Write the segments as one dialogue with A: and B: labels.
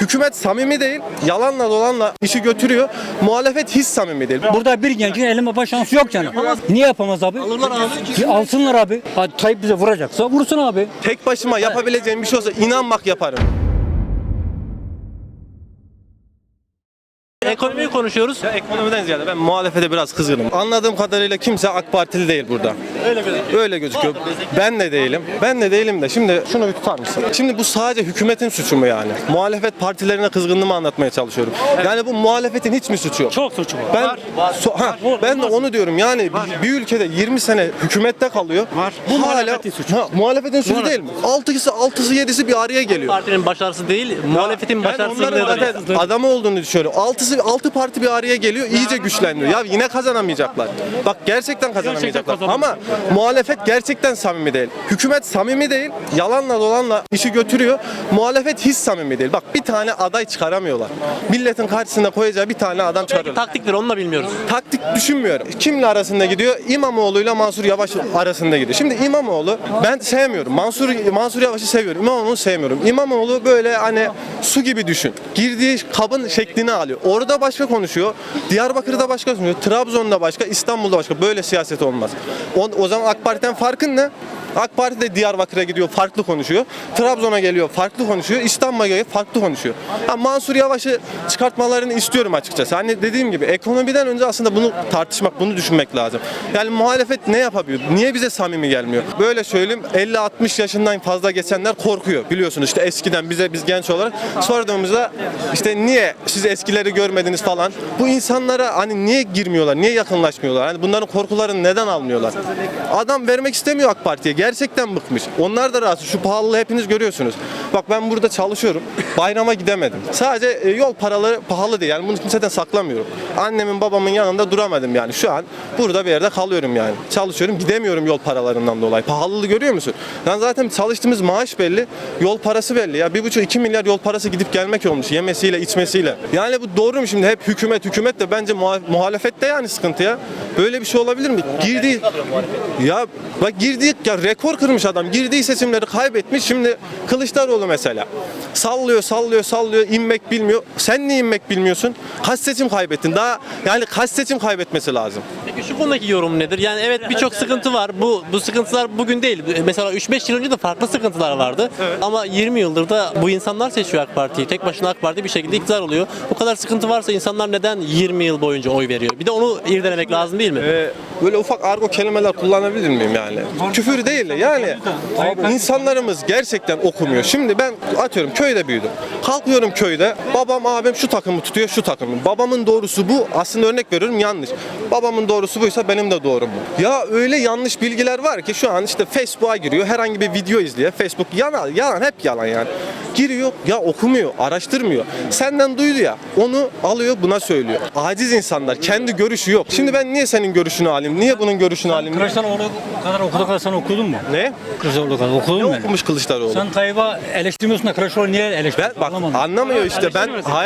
A: Hükümet samimi değil, yalanla dolanla işi götürüyor. Muhalefet hiç samimi değil.
B: Burada bir gencin elime yapma şansı yok yani. Niye yapamaz abi?
C: Alırlar abi.
B: Alsınlar abi. Hadi Tayyip bize vuracaksa vursun abi.
A: Tek başıma yapabileceğim bir şey olsa inan bak yaparım.
C: Ekonomiyi konuşuyoruz.
A: Ya ekonomiden ziyade ben muhalefete biraz kızgınım. Anladığım kadarıyla kimse AK Partili değil burada.
C: Öyle gözüküyor.
A: Öyle gözüküyor. Ben de değilim. Ben de değilim de şimdi şunu bir tutar mısın? Şimdi bu sadece hükümetin suçu mu yani? Muhalefet partilerine kızgınlığımı anlatmaya çalışıyorum. Yani bu muhalefetin hiç mi suçu yok?
B: Çok suçu var.
A: Ben ben de onu diyorum. Yani bir ülkede 20 sene hükümette kalıyor.
B: Bu
A: Hala
B: muhalefetin suçu.
A: Muhalefetin suçu değil mi? 6'sı 7'si bir araya geliyor.
C: Partinin başarısı değil, muhalefetin
A: Ben onların
C: başarısızlığıdır.
A: zaten adamı olduğunu düşünüyorum. 6 parti bir araya geliyor, iyice güçleniyor. Ya yine kazanamayacaklar. Bak gerçekten kazanamayacaklar. Ama muhalefet gerçekten samimi değil. Hükümet samimi değil, yalanla dolanla işi götürüyor. Muhalefet hiç samimi değil. Bak bir tane aday çıkaramıyorlar. Milletin karşısında koyacağı bir tane adam
C: Belki
A: çıkarıyorlar.
C: taktiktir, onu da bilmiyoruz.
A: Taktik düşünmüyorum. Kimle arasında gidiyor? İmamoğlu'yla Mansur Yavaş arasında gidiyor. Şimdi İmamoğlu ben sevmiyorum. Mansur Yavaş'ı seviyorum. İmamoğlu'nu sevmiyorum. İmamoğlu böyle hani su gibi düşün. Girdiği kabın şeklini alıyor. Orada başka konuşuyor. Diyarbakır'da başka konuşuyor. Trabzon'da başka, İstanbul'da başka. Böyle siyaset olmaz. O zaman AK Parti'den farkın ne? AK Parti de Diyarbakır'a gidiyor, farklı konuşuyor. Trabzon'a geliyor, farklı konuşuyor. İstanbul'a geliyor, farklı konuşuyor. Mansur Yavaş'ı çıkartmalarını istiyorum açıkçası. Hani dediğim gibi ekonomiden önce aslında bunu tartışmak, bunu düşünmek lazım. Yani muhalefet ne yapabiliyor? Niye bize samimi gelmiyor? Böyle söyleyeyim, 50-60 yaşından fazla geçenler korkuyor. Biliyorsunuz işte eskiden biz genç olarak sorduğumuzda işte niye siz eskileri görmediniz falan. Bu insanlara hani niye girmiyorlar, niye yakınlaşmıyorlar? Hani bunların korkularını neden almıyorlar? Adam vermek istemiyor AK Parti'ye. Gerçekten bıkmış. Onlar da rahatsız. Şu pahalılığı hepiniz görüyorsunuz. Bak ben burada çalışıyorum. Bayrama gidemedim. Sadece yol paraları pahalı değil. Yani bunu kimseden saklamıyorum. Annemin babamın yanında duramadım yani. Şu an burada bir yerde kalıyorum yani. Çalışıyorum. Gidemiyorum yol paralarından dolayı. Pahalılığı görüyor musun? Yani zaten çalıştığımız maaş belli. Yol parası belli. Ya 1,5-2 milyar yol parası gidip gelmek olmuş. Yemesiyle içmesiyle. Yani bu doğru mu şimdi? Hep hükümet de bence muhalefette yani sıkıntı ya. Böyle bir şey olabilir mi? Girdiği ya rekor kırmış adam. Girdiği seçimleri kaybetmiş. Şimdi Kılıçdaroğlu mesela. Sallıyor. İnmek bilmiyor. Sen niye inmek bilmiyorsun? Kaç seçim kaybettin? Daha yani kaç seçim kaybetmesi lazım?
C: Peki şu konudaki yorum nedir? Yani evet birçok sıkıntı var. Bu sıkıntılar bugün değil. Mesela 3-5 yıl önce de farklı sıkıntılar vardı. Evet. Ama 20 yıldır da bu insanlar seçiyor AK Parti'yi. Tek başına AK Parti bir şekilde iktidar oluyor. Bu kadar sıkıntı varsa insanlar neden 20 yıl boyunca oy veriyor? Bir de onu irdelemek lazım değil mi?
A: Böyle ufak argo kelimeler kullanabilir miyim yani? Küfür değil de yani insanlarımız gerçekten okumuyor. Şimdi ben atıyorum köyde büyüdüm. Kalkıyorum köyde. Babam abim şu takımı tutuyor, şu takımı. Babamın doğrusu bu. Aslında örnek veriyorum yanlış. Babamın doğrusu buysa benim de doğrum bu. Ya öyle yanlış bilgiler var ki şu an işte Facebook'a giriyor. Herhangi bir video izliyor. Facebook yalan hep yalan yani. Giriyor ya okumuyor, araştırmıyor. Senden duydu ya onu alıyor buna söylüyor. Aciz insanlar. Kendi görüşü yok. Şimdi ben niye senin görüşünü alayım? Niye bunun görüşünü alayım?
B: Kılıçdaroğlu kadar okudu kadar sen okudun mu?
A: Ne?
B: Kılıçdaroğlu kadar okudun
A: Ne
B: mu?
A: okumuş Kılıçdaroğlu?
B: Sen Tayyip'i eleştirmiyorsun da Kılıçdaroğlu niye eleştiriyorsun?
A: Bak anlamıyor işte ben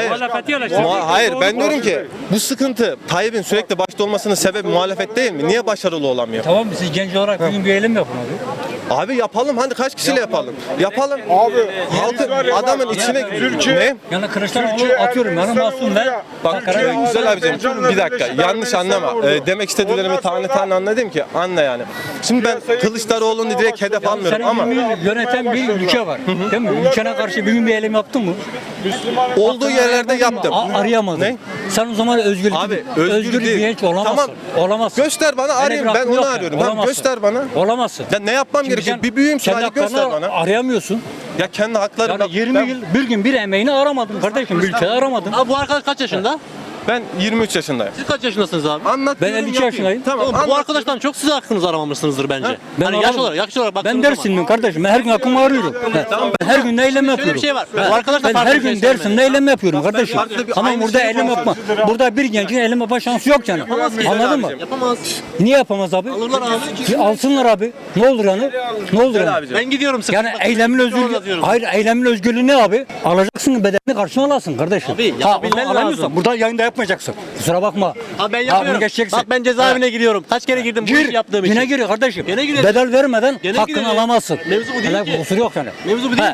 A: hayır ben diyorum ki bu sıkıntı Tayyip'in sürekli başta olmasının sebebi muhalefet değil mi? Niye başarılı olamıyor?
B: Tamam siz genç olarak bugün bir eylem yapın abi.
A: Abi yapalım hadi kaç kişiyle yapalım? Yapalım. Abi halkın adamın içine ne?
B: Yani Kılıçdaroğlu atıyorum yani masum ben.
A: Bak güzel abicim bir dakika yanlış anlama. Demek istediklerimi tane anladım ki anla yani. Şimdi ben Kılıçdaroğlu'nu direkt hedef almıyorum
B: Senin
A: ama
B: yöneten bir ülke var. Değil mi? Ülkene karşı bir gün bir eylem yaptın mı?
A: olduğu yerlerde yaptım.
B: Arayamadın.
A: Ne?
B: Sen o zaman özgür
A: değil.
B: bir genç olamazsın.
A: Tamam.
B: Olamazsın.
A: Göster bana arayayım ben onu arıyorum. Tamam göster bana.
B: Olamazsın.
A: Ya ne yapmam gerekiyor? Bir büyüğüm hadi göster bana.
B: Arayamıyorsun.
A: Ya kendi haklarım.
B: Yani 20 yıl bir gün bir emeğini aramadın kardeşim. Bir ülkede aramadın.
C: Abi bu arkadaş kaç yaşında?
A: Ben 23 yaşındayım.
C: Siz kaç yaşındasınız abi?
A: Anlat.
B: Ben 52 yaşındayım.
A: Tamam.
C: Oğlum, bu arkadaştan çok siz hakkınızı aramamışsınızdır bence.
B: Ben
C: Hani yaş olarak
B: Ben
C: baktığınız
B: Dersimliyim kardeşim. Ben her gün hakkımı arıyorum. Ben her gün eylem
C: Şöyle
B: yapıyorum.
C: bir şey var. Bu arkadaş da
B: Ben
C: farklı
B: her
C: bir şey
B: gün
C: söylemedi.
B: Dersim'de eylem yapıyorum kardeşim.
A: farklı bir-
B: Ama
A: aynı
B: burada
A: şeyi
B: eylem yapma. Burada bir gencin eylem yapma şansı yok yani. Anladın mı?
C: Yapamaz.
B: Niye yapamaz abi?
C: Alırlar abi.
B: Alsınlar abi. Ne olur yani? Ne olur yani?
C: Ben gidiyorum sıkıntı.
B: Yani eylemin özgürlüğü. Hayır eylemin özgürlüğü ne abi? Alacaksın bedelini karşına alasın kardeşim.
C: Abi,
B: ha,
C: yapabilmen
B: onu alamıyorsan
C: lazım.
B: burada yayında yapmayacaksın. Kusura bakma.
C: Abi ben
B: bunu
C: yapıyorum.
B: geçeceksin.
C: Bak ben cezaevine giriyorum. Kaç kere girdim bu işi yaptığım için.
B: Yine giriyor kardeşim.
C: Yine girelim.
B: Bedel vermeden
C: Yine
B: hakkını
C: girelim.
B: alamazsın.
C: Mevzu bu değil
B: Hele
C: ki.
B: kusur yok yani.
C: Mevzu bu değil ki.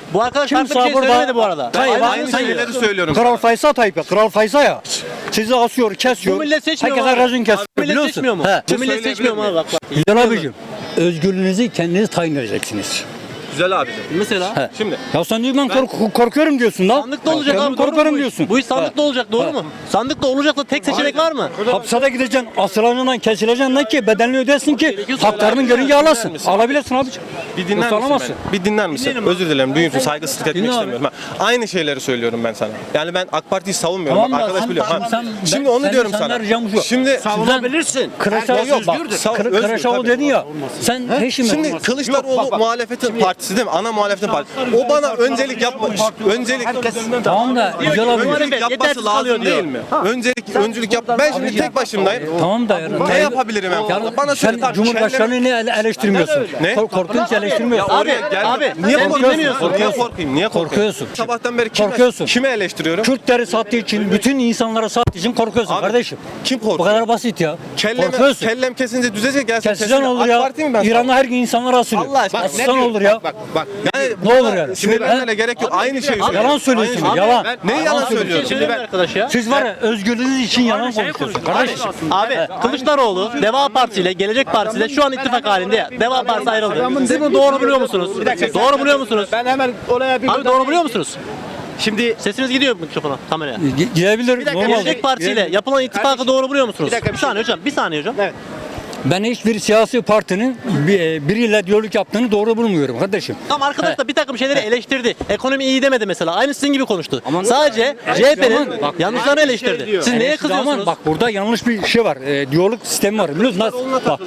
C: Bu arkadaş
B: Kimse
C: farklı bir şey
B: burada-
C: söylemedi bu arada.
B: Tayyip
C: Aynı
B: aynı
C: söylüyor.
A: şeyleri söylüyorum.
B: Kral Faysal Tayyip ya. Kral Faysal ya. Sizi asıyor, kesiyor.
C: Bu millet seçmiyor mu
B: Herkese
C: abi?
B: racon kesiyor.
C: Bu millet
B: biliyorsun.
C: seçmiyor mu?
B: He.
C: Bu millet seçmiyor mu abi? Bak bak.
B: Güzel abicim. Özgürlüğünüzü kendiniz tayin edeceksiniz.
A: Güzel abi.
C: Mesela
A: Şimdi
B: Ya sen diyor ben korkuyorum diyorsun lan.
C: sandıkta olacak
B: Ben
C: abi. doğru mu
B: korkuyorum
C: bu iş?
B: diyorsun.
C: Bu iş sandıkta olacak doğru mu? Sandıkta olacak da tek seçenek var mı?
B: Hapsede gideceksin, asılanından kesileceksin lan ki bedelini ödesin ki haklarını görünce alasın. Alabilirsin abicim.
A: bir dinler
B: Yoksa
A: misin
B: alamazsın.
A: beni? Bir dinler misin?
C: Dinlerim abi.
A: Özür dilerim. Duyuyorsun. Saygısızlık etmek
B: Dinle abi.
A: istemiyorum. Ben aynı şeyleri söylüyorum ben sana. Yani ben AK Parti'yi savunmuyorum.
B: Tamam
A: Bak,
B: da
A: arkadaş
B: sen-
A: biliyor.
B: sen-
A: Ha.
B: sen-
A: Şimdi
B: ben-
A: onu
B: sen
A: diyorum
B: insanlar
A: sana.
B: ricamı şu.
A: Şimdi
D: Savunabilirsin.
B: Kılıçdaroğlu
A: Yok, bak,
B: bak,
A: özgür,
B: Kılıçdaroğlu
A: tabii.
B: dedin ya. Sen peşime.
A: Şimdi Kılıçdaroğlu muhalefetin partisi değil mi? Ana muhalefetin partisi. O bana öncelik yapmış. Öncelik
B: Tamam da güzel abi.
A: öncelik
C: Muhalefet
A: yapması
C: yetersiz kalıyor
A: lazım
C: diyor.
A: değil mi? Öncülük yap. Ben şimdi tek başımdayım.
B: Tamam da yani.
A: Ne yapabilirim en fazla? Bana söyle.
B: Sen
A: Tamam,
B: Cumhurbaşkanı'nı niye eleştirmiyorsun?
A: Ne?
B: Korkunç eleştirmiyorsun.
C: Abi,
A: Geldim.
C: abi,
A: Niye
C: sen
A: korkuyorsun?
C: dinlemiyorsun.
A: Niye korkayım? Niye korkayım?
B: Korkuyorsun.
A: Sabahtan beri
B: Korkuyorsun.
A: kime eleştiriyorum?
B: Kürtleri sattığı için, bütün insanlara sattığı için korkuyorsun
A: Abi,
B: kardeşim.
A: kim
B: Bu
A: korkuyor?
B: kadar basit ya.
A: Kellem
B: Korkuyorsun.
A: kesince düzecek gelsin.
B: Keseceksin olur
A: AK
B: ya.
A: Parti mi ben?
B: İran'da her gün insanlar asılıyor.
A: Allah aşkına.
B: Asılsan olur ya.
D: Bak.
A: Yani
B: Ne olur yani?
A: sinirlenmene gerek yok. Aynı şeyi söylüyorum.
B: Yalan söylüyorsun.
A: Aynı
B: Yalan.
A: Ne yalan
C: Bir şey
A: söylüyorum?
C: söyleyeyim mi arkadaş ya?
B: Siz var ya özgürlüğünüz için yalan konuşuyorsun kardeşim.
C: Abi Kılıçdaroğlu Deva Partisi ile Gelecek Partisi ile şu an ittifak halinde ya. Deva Partisi ayrıldı. Siz bunu doğru buluyor musunuz? Doğru buluyor musunuz?
D: Ben hemen olaya bir
C: Abi doğru buluyor musunuz?
D: Şimdi
C: Sesiniz gidiyor mikrofona, kameraya.
B: Gidebilir. Normal.
C: Gelecek Partisi ile yapılan ittifakı doğru buluyor musunuz?
D: dakika,
C: Bir saniye hocam, bir saniye hocam.
D: Evet.
B: Ben hiçbir siyasi partinin biriyle diyalog yaptığını doğru bulmuyorum kardeşim.
C: Tam arkadaş da bir takım şeyleri eleştirdi. Ekonomi iyi demedi mesela. Aynı sizin gibi konuştu.
B: Ama-
C: Sadece CHP'nin
B: Bak-
C: yanlışlarını eleştirdi. Siz neye
B: Eleştirdi ama
C: kızıyorsunuz?
B: Bak burada yanlış bir şey var. Diyalog sistemi var. Biliyorsun nasıl? Bak,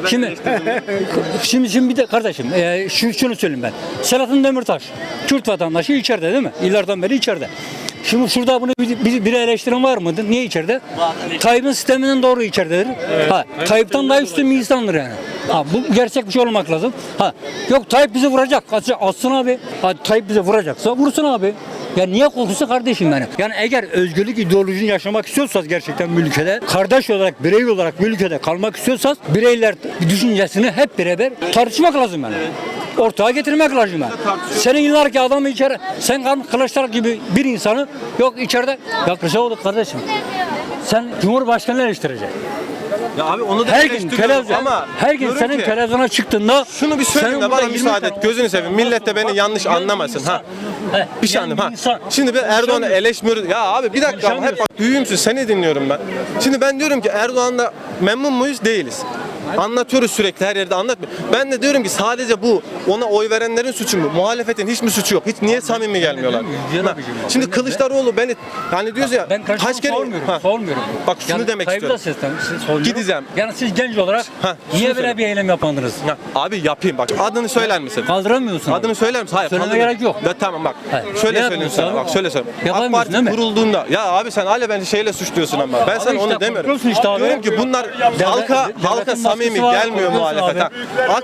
B: şimdi bir de kardeşim şunu söyleyeyim ben. Selahattin Demirtaş Kürt vatandaşı içeride değil mi? Yıllardan beri içeride. Şimdi şurada bunu bir eleştiren var mıdır? Niye içeride? Tayyip'in sisteminden doğru içeridedir. Ha, Tayyip'ten daha üstün bir insandır yani. Ha, bu gerçek bir şey olmak lazım. Ha, yok Tayyip bizi vuracak. Atsın abi. Ha, Tayyip bizi vuracaksa vursun abi. Ya niye korkusu kardeşim benim? Yani eğer özgürlük ideolojisini yaşamak istiyorsanız gerçekten bu ülkede, kardeş olarak, birey olarak bu ülkede kalmak istiyorsanız bireyler düşüncesini hep beraber tartışmak lazım yani. Ortaya getirmek lazım yani. Senin yıllarki adamı içeri, sen Kılıçdaroğlu gibi bir insanı yok içeride, ya Kılıçdaroğlu kardeşim. Sen Cumhurbaşkanı'nı eleştireceksin.
A: Ya abi onu da
B: Her gün
A: eleştiriyorum
B: televizyon,
A: ama
B: her gün
A: diyorum
B: senin
A: ki,
B: televizyona çıktığında
A: şunu bir söyleyeyim
B: senin
A: de bana
B: burada
A: müsaade
B: 20
A: et. Gözünü seveyim. Millet de beni yanlış anlamasın ha. Bir şey anlayayım ha. Şimdi ben Erdoğan'ı eleştiriyorum. Ya abi bir dakika ama hep bak büyüğümsün seni dinliyorum ben. Şimdi ben diyorum ki Erdoğan'la memnun muyuz? Değiliz. Anlatıyoruz sürekli her yerde anlatmıyor. Ben de diyorum ki sadece bu ona oy verenlerin suçu mu? Muhalefetin hiç mi suçu yok? Hiç niye samimi gelmiyorlar? Ha, şimdi Kılıçdaroğlu beni hani diyoruz ya
B: Ben
A: kaç kere
B: sormuyorum.
A: Bak şunu demek
B: Tayyip'i
A: istiyorum.
B: de sormuyorum.
A: Gideceğim.
B: Yani siz genç olarak
A: Ha, şunu
B: niye
A: söyle.
B: böyle bir eylem yapandınız?
A: Ya, abi yapayım bak adını söyler misin?
B: Kaldıramıyorsun.
A: Adını söyler misin? Hayır.
B: Söyleme
A: kaldırma.
B: gerek yok.
A: Ya, tamam bak.
B: Hayır.
A: Şöyle
B: Ne
A: söyleyeyim
B: yapıyorsun
A: sana.
B: abi?
A: Bak şöyle söyleyeyim. AK
B: Yapamıyorsun
A: Parti
B: değil mi?
A: kurulduğunda ya abi sen hala beni şeyle suçluyorsun ama. Ben sana
B: işte
A: onu demiyorum.
B: korkuyorsun işte abi.
A: Diyorum ki bunlar halka
B: devletin
A: samimi
B: baskısı var,
A: gelmiyor
B: korkuyorsun
A: muhalefet.
B: abi.
A: Ha.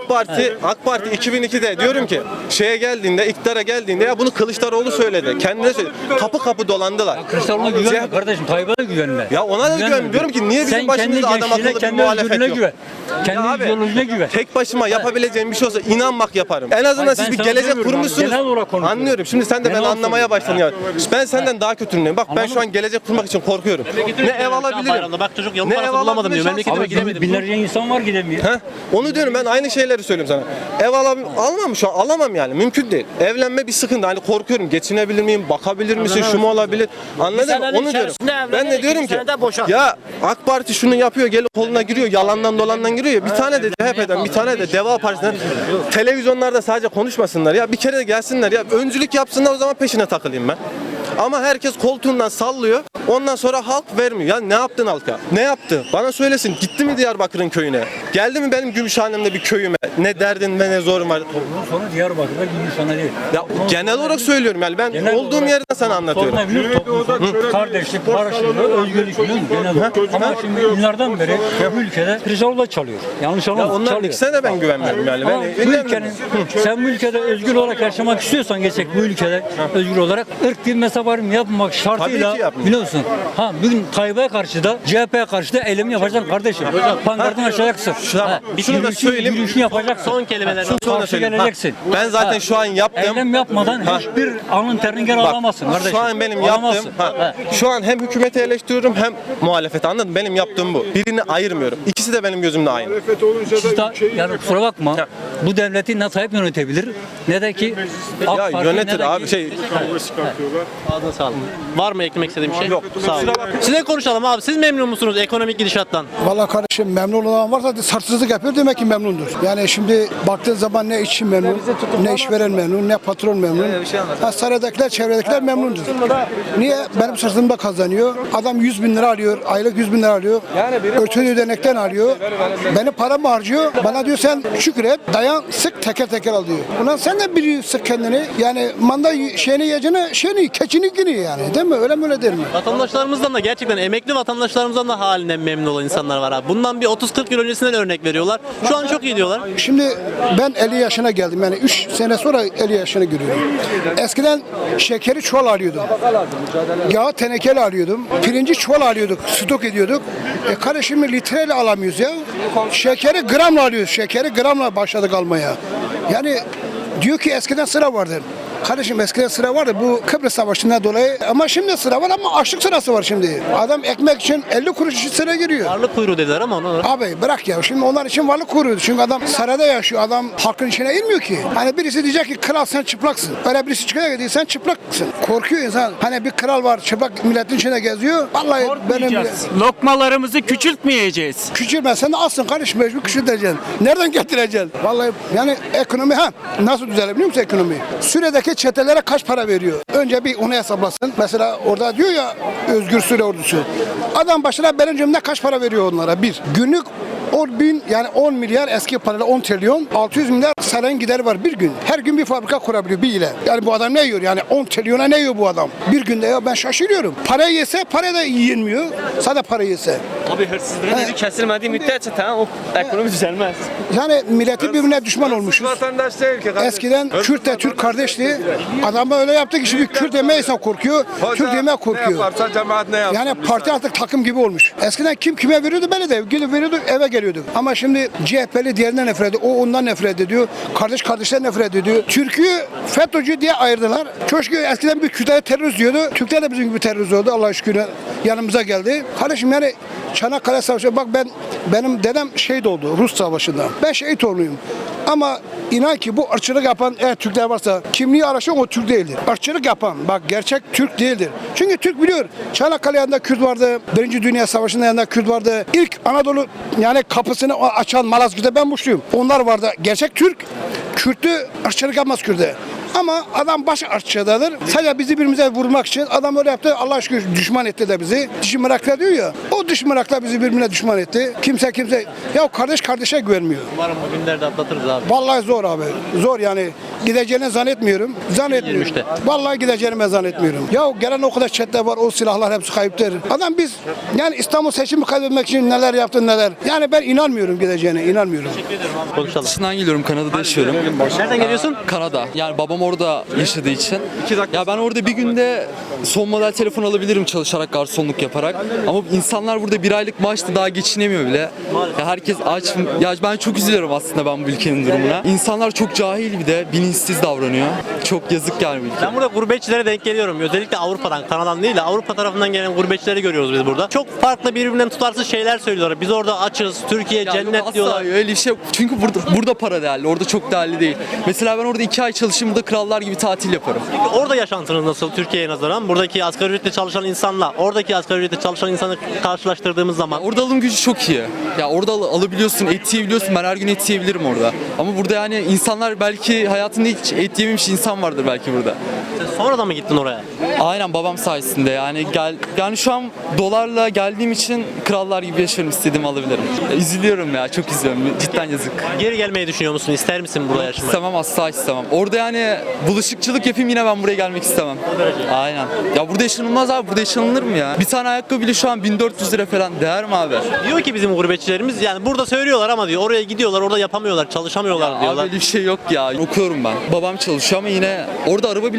A: AK Parti 2002'de diyorum ki şeye geldiğinde iktidara geldiğinde ya bunu Kılıçdaroğlu söyledi. Kendine söyledi. Kapı kapı dolandılar.
B: Kılıçdaroğlu'na güvenme kardeşim. Tayyip'e de güvenme.
A: Ya ona da güvenmiyorum. Diyorum ki niye bizim
B: Sen
A: başımızda
B: kendi
A: adam akıllı
B: gençliğine,
A: bir
B: kendi
A: muhalefet
B: özgürlüğüne
A: yok?
B: güven.
A: Ya
B: Kendi
A: abi,
B: ideolojine güven.
A: tek başıma yapabileceğim bir şey olsa inanmak yaparım. En azından
B: Hayır,
A: siz
B: ben
A: bir
B: sana
A: gelecek
B: demiyorum abi,
A: kurmuşsunuz.
B: genel olarak konuşuyorum.
A: Anlıyorum. Şimdi sen de
B: Genel
A: beni anlamaya
B: olarak
A: başladın ya. Ben senden daha kötüyüm. Bak ben
B: Anladın
A: şu an gelecek kurmak için korkuyorum. Ne ev alabilirim.
C: Bayramda bak çocuk yolun
A: Ne
C: parası
A: ev
C: bulamadım diyor.
A: alabilirim,
C: Memleketime
B: Abi
C: gidemedim.
B: binlerce insan var gidemiyor.
A: Heh, onu diyorum ben aynı şeyleri söylüyorum sana. Almam şu an alamam yani mümkün değil. Evlenme bir sıkıntı hani korkuyorum geçinebilir miyim bakabilir misin şu mu olabilir anladın mı
D: senenin
A: onu diyorum.
D: içerisinde evlenir,
A: Ben de diyorum
D: ikinci
A: ki
D: senede boşar.
A: ya AK Parti şunu yapıyor gelip koluna giriyor yalandan dolandan giriyor ya bir tane de CHP'den bir tane de Deva Partisi'nden televizyonlarda sadece konuşmasınlar ya bir kere de gelsinler ya öncülük yapsınlar o zaman peşine takılayım ben. Ama herkes koltuğundan sallıyor. Ondan sonra halk vermiyor. Ya ne yaptın halka? Ne yaptı? Bana söylesin. Gitti mi Diyarbakır'ın köyüne? Geldi mi benim Gümüşhanem'de bir köyüme? Ne derdin ve ne zorun var?
B: Sonra Diyarbakır'da gibi sana değil.
A: Ya genel olarak söylüyorum yani ben
B: Genel
A: olduğum
B: olarak-
A: yerden sana anlatıyorum.
B: Sorun ne biliyor musun? Kardeşlik, barışlık, özgürlük biliyor musun? Genel olarak. Ama şimdi yıllardan beri bu ülkede Kılıçdaroğlu çalıyor. Yanlış
A: Ya
B: anlama.
A: onların
B: çalıyor.
A: ikisine de ben güvenmiyorum yani.
B: Ama
A: Ben
B: bu ülkenin, sen bu ülkede özgür olarak yaşamak istiyorsan gerçek bu ülkede özgür olarak ırk bir mezhep yaparım yapmak şartıyla
A: Tabii ki yapmayın.
B: biliyorsun. Ha bugün Tayyip'e karşı da CHP'ye karşı da elimi yapacaksın kardeşim. Pankartını açacaksın.
A: Tamam. Şunu da söyleyeyim.
B: Yürüyüşünü yapacaksın.
C: Son kelimeler.
A: Şunu da
B: Karşı
A: söyleyeyim.
B: geleceksin.
A: Ben zaten şu an yaptım.
B: Eylem yapmadan hiçbir alın terini geri alamazsın kardeşim.
A: Şu an benim
B: Alamazsın.
A: yaptığım, şu an hem hükümeti eleştiriyorum hem muhalefeti, anladın mı? Benim yaptığım bu. Birini ayırmıyorum. İkisi de benim gözümde aynı.
B: Siz de yani kusura bakma. Bu devleti ne Tayyip yönetebilir ne de ki AK
A: Ya
B: Parti, ne
A: yönetir
B: de
A: abi
B: ki-
C: Ağzına sağlık. Var mı eklemek istediğim bir şey?
A: Yok.
C: Sağ olun. Size konuşalım abi. Siz memnun musunuz ekonomik gidişattan?
E: Vallahi kardeşim memnun olan varsa sarsızlık yapıyor demek ki memnundur. Yani şimdi baktığın zaman ne işçi memnun, ne işveren memnun, ne patron memnun. Ha, saraydakiler, çevredekiler memnundur. Niye? Benim sırtımda kazanıyor. Adam 100 bin lira alıyor, aylık 100 bin lira alıyor. Örtülü ödenekten alıyor. Benim paramı harcıyor. Bana diyor sen şükret, dayan, sık teker teker al diyor. Ulan sen de bir sık kendini. Yani manda şeyini yiyeceğine keçini günü yani. Değil mi? Öyle mi öyle değil mi?
C: Vatandaşlarımızdan da gerçekten emekli vatandaşlarımızdan da halinden memnun olan insanlar var abi. Bundan bir 30-40 yıl öncesinden örnek veriyorlar. Şu an çok iyi diyorlar.
E: Şimdi ben 50 yaşına geldim. Yani 3 sene sonra 50 yaşına giriyorum. Eskiden şekeri çuval alıyordum. Yağı tenekeli alıyordum. Pirinci çuval alıyorduk. Stok ediyorduk. Kardeşim litreyle alamıyoruz ya. Şekeri gramla alıyoruz. Şekeri gramla başladık almaya. Yani diyor ki eskiden sıra vardı. Kardeşim eskiden sıra vardı bu Kıbrıs Savaşı'ndan dolayı ama şimdi sıra var ama açlık sırası var şimdi. Adam ekmek için 50 kuruş için sıra giriyor.
C: Varlık kuyruğu dediler ama ona
E: Abi bırak ya şimdi onlar için varlık kuruyordu. Çünkü adam sarayda yaşıyor. Adam halkın içine girmiyor ki. Hani birisi diyecek ki kral sen çıplaksın. Öyle birisi çıkacak ki sen çıplaksın. Korkuyor insan. Hani bir kral var çıplak milletin içine geziyor. Vallahi benim
D: Lokmalarımızı küçültmeyeceğiz.
E: küçülme sen de alsın kardeşim mecbur küçülteceksin. Nereden getireceksin? Vallahi yani ekonomi nasıl düzelir biliyor musun ekonomi? Suriye'deki çetelere kaç para veriyor? Önce bir onu hesaplasın. Mesela orada diyor ya Özgür Suriye ordusu. Adam başına benim cebimde kaç para veriyor onlara? Bir. Günlük 10 bin yani 10 milyar eski parayla 10 trilyon 600 milyar sarayın gideri var bir gün. Her gün bir fabrika kurabiliyor bir ile. Yani bu adam ne yiyor yani 10 trilyona ne yiyor bu adam? Bir günde ya ben şaşırıyorum. Parayı yese para da yenmiyor. Sadece para yese.
D: Abi hırsızlığın önü kesilmediği müddetçe tamam o ekonomi düzelmez.
E: Yani milleti birbirine düşman olmuşuz.
A: Vatandaş değil ki.
E: Eskiden Kürt de Türk kardeşti. Adam öyle yaptı ki şimdi Kürt demeye insan korkuyor. Türk demeye korkuyor.
A: Cemaat ne yapsın?
E: Yani parti artık takım gibi olmuş. Eskiden kim kime veriyordu böyle de gidip veriyordu eve geliyorduk. Ama şimdi CHP'li diğerinden nefret ediyor. O ondan nefret ediyor. Kardeş kardeşler nefret ediyor. Türk'ü FETÖ'cü diye ayırdılar. Köşkü eskiden bir Kürtler terörist diyordu. Türkler de bizim gibi terörist oldu. Allah'a şükür yanımıza geldi. Kardeşim yani Çanakkale Savaşı bak benim dedem şehit oldu Rus Savaşı'nda. Ben şehit oğluyum. Ama inan ki bu ırkçılık yapan eğer Türkler varsa kimliği araştıran o Türk değildir. Irkçılık yapan bak gerçek Türk değildir. Çünkü Türk biliyor. Çanakkale yanında Kürt vardı. Birinci Dünya Savaşı'nda yanında Kürt vardı. İlk Anadolu yani kapısını açan Malazgirt'te ben Muşluyum. Onlar vardı. Gerçek Türk. Kürt'ü ırkçılık yapmaz Kürt'e. Ama adam baş ırkçıdadır. Sadece bizi birbirimize vurmak için adam öyle yaptı. Allah şükür düşman etti de bizi. Dış mıraklar diyor ya. O dış mıraklar bizi birbirine düşman etti. Kimse ya kardeş kardeşe güvenmiyor.
C: umarım bu günlerde atlatırız abi.
E: Vallahi zor abi. Zor yani. Gideceğini zannetmiyorum. Zannetmiyorum.
C: 23'te.
E: Vallahi gideceğini ben zannetmiyorum. Ya gelen o kadar çete var. O silahlar hepsi kayıptır. Adam biz yani İstanbul seçimi kaybetmek için neler yaptı neler. Yani ben inanmıyorum gideceğine. İnanmıyorum.
C: Konuşalım.
F: Dışından geliyorum, Kanada'da yaşıyorum.
C: Nereden geliyorsun?
F: Kanada. Yani babam orada yaşadığı için. Ya ben orada bir günde son model telefon alabilirim çalışarak, garsonluk yaparak. Ama insanlar burada bir aylık maaşla daha geçinemiyor bile. Ya herkes aç. Ya ben çok üzülüyorum aslında ben bu ülkenin durumuna. İnsanlar çok cahil bir de bilinçsiz davranıyor. Çok yazık yani bu ülke.
C: Ben burada gurbetçilere denk geliyorum. Özellikle Avrupa'dan, Kanada'dan değil de Avrupa tarafından gelen gurbetçileri görüyoruz biz burada. Çok farklı birbirinden tutarsız şeyler söylüyorlar. Biz orada açız, Türkiye
F: Ya yok,
C: cennet
F: asla
C: diyorlar.
F: öyle bir şey yok. Çünkü burada para değerli. Orada çok değerli değil. Mesela ben orada 2 ay çalışayım, burada krallar gibi tatil yaparım.
C: Peki orada yaşantınız nasıl Türkiye'ye nazaran? Buradaki asgari ücretle çalışan insanla oradaki asgari ücretle çalışan insanı karşılaştırdığımız zaman
F: Orada alım gücü çok iyi. Ya orada alabiliyorsun, et yiyebiliyorsun. Ben her gün et yiyebilirim orada. Ama burada yani insanlar belki hayatında hiç et yememiş insan vardır belki burada.
C: sen sonradan mı gittin oraya?
F: Aynen babam sayesinde yani şu an dolarla geldiğim için krallar gibi yaşarım, istediğimi alabilirim. Üzülüyorum ya, çok üzülüyorum. Cidden yazık.
C: Geri gelmeyi düşünüyor musun? İster misin burada yaşamayı?
F: İstemem, asla istemem. Orada yani bulaşıkçılık yapayım yine ben buraya gelmek istemem. Aynen. Ya burada yaşanılmaz abi, burada yaşanılır mı ya? Bir tane ayakkabı bile şu an 1400 lira falan, değer mi abi?
C: Diyor ki bizim gurbetçilerimiz yani burada söylüyorlar ama diyor oraya gidiyorlar orada yapamıyorlar, çalışamıyorlar
F: Abi
C: diyorlar.
F: öyle bir şey yok ya. Okuyorum ben. Babam çalışıyor ama yine orada araba bile alabiliyorsun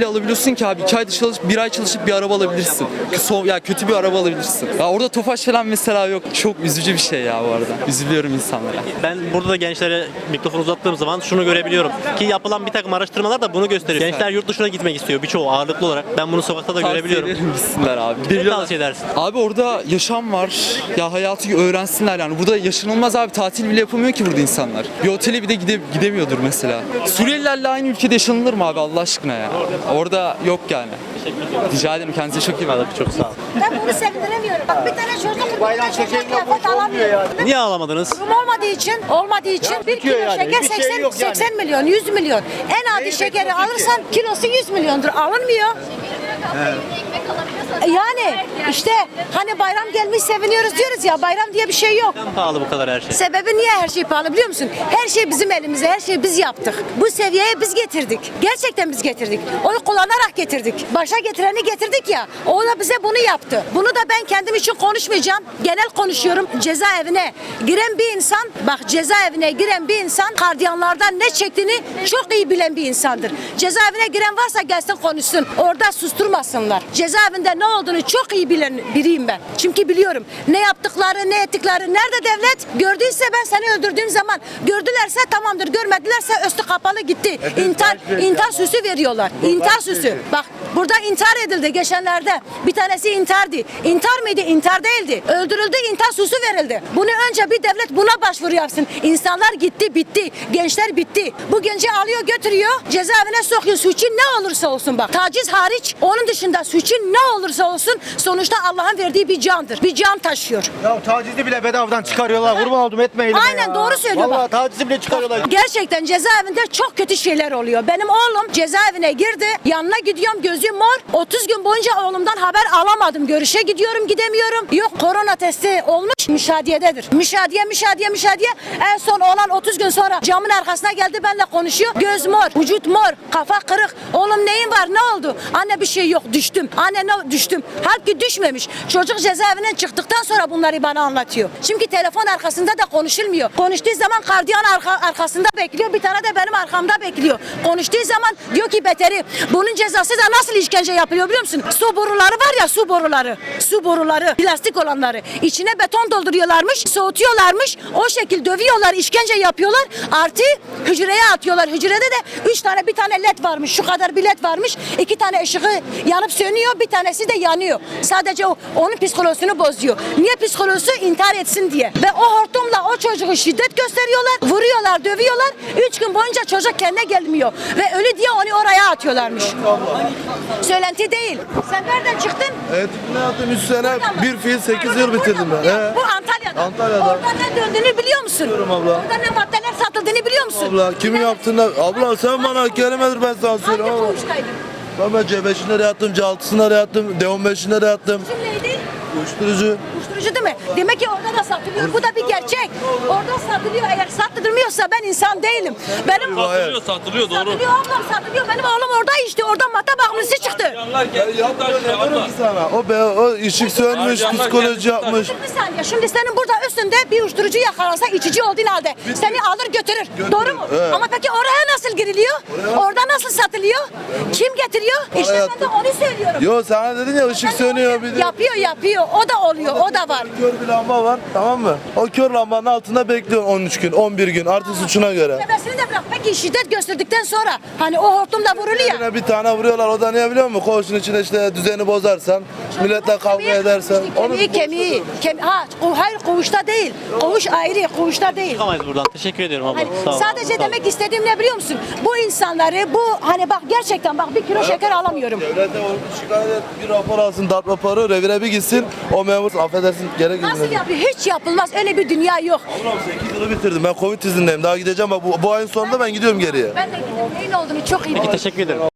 F: alabilirsin ki abi? 2 ayda çalışıp 1 ay çalışıp bir araba alabilirsin. Ya kötü bir araba alabilirsin. Ya orada Tofaş falan mesela yok. Çok üzücü bir şey ya bu arada. Üzülüyorum insanlara.
C: Ben burada da gençlere mikrofon uzattığım zaman şunu görebiliyorum ki yapılan bir takım araştırmalar da bunu gösteriyor. Gençler yurt dışına gitmek istiyor birçoğu ağırlıklı olarak. Ben bunu sokakta da görebiliyorum.
F: Tavsiye ederim gitsinler abi.
C: Ne
F: Biliyorlar.
C: tavsiye edersin?
F: Abi orada yaşam var. Ya hayatı öğrensinler yani. Burada yaşanılmaz abi. Tatil bile yapamıyor ki burada insanlar. Bir otele bir de gidemiyordur mesela. Suriyelilerle aynı ülkede yaşanılır mı abi Allah aşkına ya? Orada yok yani. Rica ederim, kendinize çok iyi bakın.
C: Çok sağ ol.
G: Ben bunu sevindiremiyorum. Bak bir tane çocuk bir tane çocuğa kıyafet alamıyor.
C: Niye ağlamadınız?
G: Durum olmadığı için bir kilo şeker 80 milyon, 100 milyon. En adi şekeri alırsan kilosu 100 milyondur. Alınmıyor. Yani işte hani bayram gelmiş seviniyoruz diyoruz ya, bayram diye bir şey yok.
C: Neden pahalı bu kadar her şey?
G: Sebebi niye her şey pahalı biliyor musun? Her şey bizim elimizde, her şeyi biz yaptık. Bu seviyeye biz getirdik. Gerçekten biz getirdik. Oy kullanarak getirdik. Başa getireni getirdik ya, o da bize bunu yaptı. Bunu da ben kendim için konuşmayacağım. Genel konuşuyorum. Cezaevine giren bir insan, bak cezaevine giren bir insan gardiyanlardan ne çektiğini çok iyi bilen bir insandır. Cezaevine giren varsa gelsin konuşsun. Orada susturmasınlar. Cezaevinde ne olduğunu çok iyi bilen biriyim ben. Çünkü biliyorum ne yaptıkları, ne ettikleri. Nerede devlet? Gördüyse ben seni öldürdüğüm zaman, gördülerse tamamdır, görmedilerse üstü kapalı gitti. İntihar süsü veriyorlar. İntihar süsü. Bak burada intihar edildi geçenlerde. Bir tanesi intihardı. İntihar mıydı? İntihar değildi. Öldürüldü, intihar süsü verildi. Bunu önce bir devlet buna başvuru yapsın. İnsanlar gitti, bitti. Gençler bitti. Bu genci alıyor, götürüyor. Cezaevine sokuyor. Suçu ne olursa olsun bak. Taciz hariç, onun dışında suçu ne olursa olsun sonuçta Allah'ın verdiği bir candır. Bir can taşıyor.
H: Ya tacizi bile bedavadan çıkarıyorlar. Kurban oldum etmeyin.
G: Aynen doğru söylüyor
H: Vallahi
G: bak.
H: tacizi bile çıkarıyorlar.
G: Gerçekten cezaevinde çok kötü şeyler oluyor. Benim oğlum cezaevine girdi. Yanına gidiyorum, gözüm mor. 30 gün boyunca oğlumdan haber alamadım. Görüşe gidiyorum, gidemiyorum. Yok, korona testi olmuş, müşadiyededir. Müşadiye. En son oğlan 30 gün sonra camın arkasına geldi, benimle konuşuyor. Göz mor, vücut mor, kafa kırık. Oğlum neyin var, ne oldu? Anne bir şey yok, düştüm. Anne ne düştüm? Halbuki düşmemiş. Çocuk cezaevinden çıktıktan sonra bunları bana anlatıyor. Çünkü telefon arkasında da konuşulmuyor. Konuştuğu zaman gardiyan arkasında bekliyor. Bir tane de benim arkamda bekliyor. Konuştuğu zaman diyor ki beteri. Bunun cezası da nasıl işkence yapılıyor biliyor musun? Su boruları var ya, su boruları. Su boruları. Plastik olanları. İçine beton dolduruyorlarmış. Soğutuyorlarmış. O şekil dövüyorlar. İşkence yapıyorlar. Artı hücreye atıyorlar. Hücrede de 3 tane, bir tane led varmış. Şu kadar bir led varmış. 2 tane ışığı yanıp sönüyor. Bir tanesi de yanıyor. Sadece onun psikolojisini bozuyor. Niye psikolojisi? İntihar etsin diye. Ve o hortumla o çocuğu şiddet gösteriyorlar. Vuruyorlar, dövüyorlar. 3 gün boyunca çocuk kendine gelmiyor. Ve ölü diye onu oraya atıyorlarmış. Söylenti değil. Sen nereden çıktın?
I: Evet, ne yaptım 3 sene, bir fiil 8 yıl bitirdim ben.
G: Bu Antalya'da.
I: Antalya'da.
G: Orada ne döndüğünü biliyor musun?
I: Biliyorum abla.
G: Orada ne maddeler satıldığını biliyor musun?
I: Abla kimin yaptığını, abla sen bana kelimedir ben sana
G: Hangi
I: söyleyeyim ama.
G: koğuştaydın?
I: Ben C5'inde de yattım, C6'sında da yattım, D15'inde de yattım.
G: Kim neydi?
I: Uyuşturucu.
G: Uyuşturucu değil mi? Demek ki orada da satılıyor. Bu da bir gerçek. Orada satılıyor. Eğer sattırmıyorsa ben insan değilim. Benim
I: Satılıyor doğru.
G: satılıyor ablam, satılıyor. Benim oğlum orada işte. Orada madde bağımlısı çıktı.
I: Diyorum ki sana, o ışık sönmüş, psikoloji yapmış.
G: Bir saniye. Şimdi senin burada üstünde bir uyuşturucu yakalansa içici olduğun halde seni alır götürür. Doğru mu?
I: Evet.
G: Ama peki oraya nasıl giriliyor? Orada nasıl satılıyor? Kim getiriyor? İşte ben de onu söylüyorum.
I: Yo sana dedin ya ışık sönüyor bir de.
G: Yapıyor. O da oluyor. O da var.
I: Kör bir lamba var, tamam mı? O kör lambanın altında bekliyor 13 gün, 11 gün artık suçuna göre.
G: Sebebini de bırak. Peki şiddet gösterdikten sonra hani o hortumla vuruluyor.
I: Yine bir tane vuruyorlar, o da niye biliyor musun? Koğuşun içinde işte düzeni bozarsan, milletle kavga edersen.
G: Kemiği. Hayır koğuşta değil. Koğuş ayrı, koğuşta değil.
C: Çıkamayız buradan. Teşekkür ediyorum abla.
G: Hani
C: Sağ ol.
G: sadece
C: Sağ ol.
G: demek istediğim ne biliyor musun? Bu insanları, bu hani bak gerçekten bak bir kilo şeker alamıyorum.
I: Devlete şikayet et, bir rapor alsın, darp raporu, revire bir gitsin, o memur affedersin gerek yok.
G: Nasıl yapıyor? Hiç yapılmaz. Öyle bir dünya yok.
I: Ablam 8 yılı bitirdim, ben Covid izindeyim, daha gideceğim, bak bu ayın sonunda ben gidiyorum geriye.
G: Ben de gidip neyin olduğunu çok iyi biliyorum.
C: Teşekkür ederim.